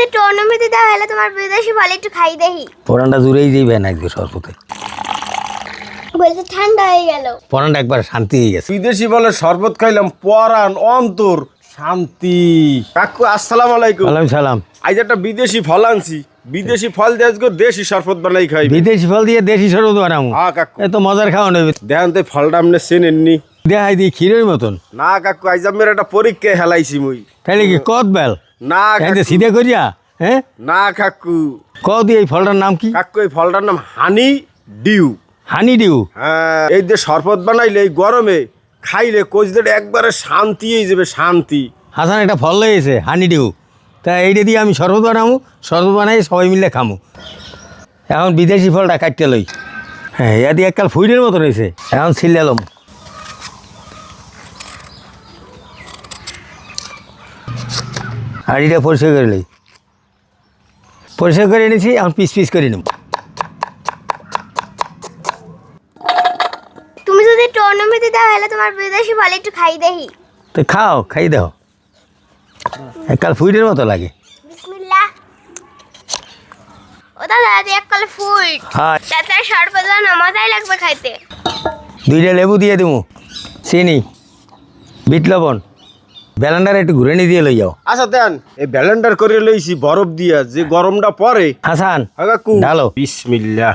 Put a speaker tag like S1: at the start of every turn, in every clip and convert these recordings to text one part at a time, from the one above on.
S1: একটু অনুমতি দাও, হলে তোমার বিদেশি ফল একটু খাই দেখি।
S2: পরানটা জুড়েই যাইবে না একটু শরবতে,
S1: বলতে ঠান্ডা হয়ে গেল।
S2: পরানটা একবার শান্তি হয়ে গেছে।
S3: বিদেশি বলে শরবত খাইলাম, পরাণ অন্তর শান্তি। কাকু আসসালামু আলাইকুম।
S2: ওয়ালাইকুম সালাম।
S3: আজ একটা বিদেশি ফল আনছি, বিদেশি ফল দিয়ে আজকে দেশি শরবত বানাই খাই।
S2: বিদেশি ফল দিয়ে দেশি শরবত বানাবো?
S3: হ্যাঁ কাকু,
S2: এত মজার খাওয়া নেবে।
S3: দেখেন তো ফলটা আপনি চেনেননি?
S2: দেখাই দিই ক্ষীরের মতন।
S3: না কাকু, আজ আমার একটা পরীক্ষায় হেলাইছি মুই।
S2: তাইলে কি কত বেল
S3: না কাকু,
S2: সিধে করিয়া? হ্যাঁ
S3: না কাকু।
S2: কত এই ফলটার নাম কি?
S3: কাকু এই ফলটার নাম হানি ডিউ।
S2: হানি ডিউ?
S3: হ্যাঁ, এই যে শরবত বানাইলে এই গরমে খাইলে কোচদের একবারে শান্তি হয়ে যাবে, শান্তি।
S2: হাসান একটা ফল লয়েছে হানি ডিউ, তা এইটা দিয়ে আমি শরবত বানাবো, শরবত বানাই সবাই মিলে খামো। এখন বিদেশি ফলটা কাটতে লই। হ্যাঁ, ইয়া দিয়ে এককাল ফুইডের মতো রয়েছে। এখন ছিলাম হাঁড়িটা পরিষ্কার করে লই। পরিষ্কার করে এনেছি, এখন পিস পিস করে নেব।
S1: তুমি যদি একটু অনুমতি দাও, হলে তোমার বিদেশি ফল একটু খাই দেখি।
S2: তো খাও, খাই দাও। এককাল ফুইডের মতো লাগে।
S1: বিসমিল্লাহ। ও দাদা, এক কলে ফুল।
S2: হ্যাঁ,
S1: চাচার শরবত না মজাই লাগবে খাইতে।
S2: 2টা লেবু দিয়ে দেবো, চিনি, বিট লবণ, ব্যালেন্ডার একটু ঘুরে নিয়ে দিয়ে লই যাও।
S3: আচ্ছা দেন, এই ব্যালেন্ডার করে লইছি বরফ দিয়া, যে গরমটা পরে।
S2: হাসান
S3: হ্যাঁ কাকু,
S2: ঢালো।
S3: বিসমিল্লাহ।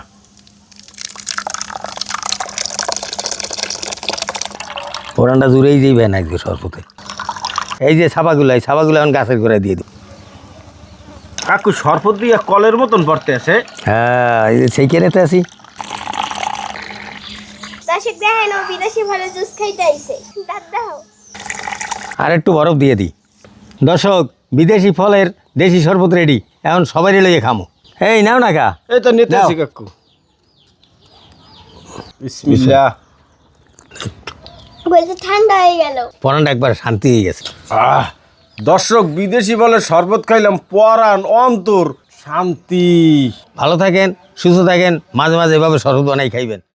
S2: পোড়ানটা জুড়েই যাইবে না একটু শরবতে। এই যে ছাপাগুলো, এই ছাপাগুলো এখন গাছের গোড়ায় দিয়ে দিই।
S3: কাকু শরবত দিয়া কলের মতন পড়তে আছে।
S2: হ্যাঁ, এই যে সেই কেনেতে আছি।
S1: দর্শক দেখেন, ও বিদেশি ফলের জুস খাইতে আইছে। দাদা
S2: আর একটু বরফ দিয়ে দিই। দর্শক, বিদেশি ফলের দেশি শরবত রেডি, এখন সবাই লইয়ে খামো। এই নাও না কা।
S3: এই তো নিতে
S2: দাও।
S3: আছি কাকু। বিসমিল্লাহ।
S1: বলতে ঠান্ডা হয়ে গেল।
S2: পোড়ানটা একবার শান্তি হয়ে গেছে।
S3: দর্শক, বিদেশি বলে শরবত খাইলাম, পরাণ অন্তর শান্তি।
S2: ভালো থাকেন, সুস্থ থাকেন, মাঝে মাঝে এভাবে শরবত বানাই খাইবেন।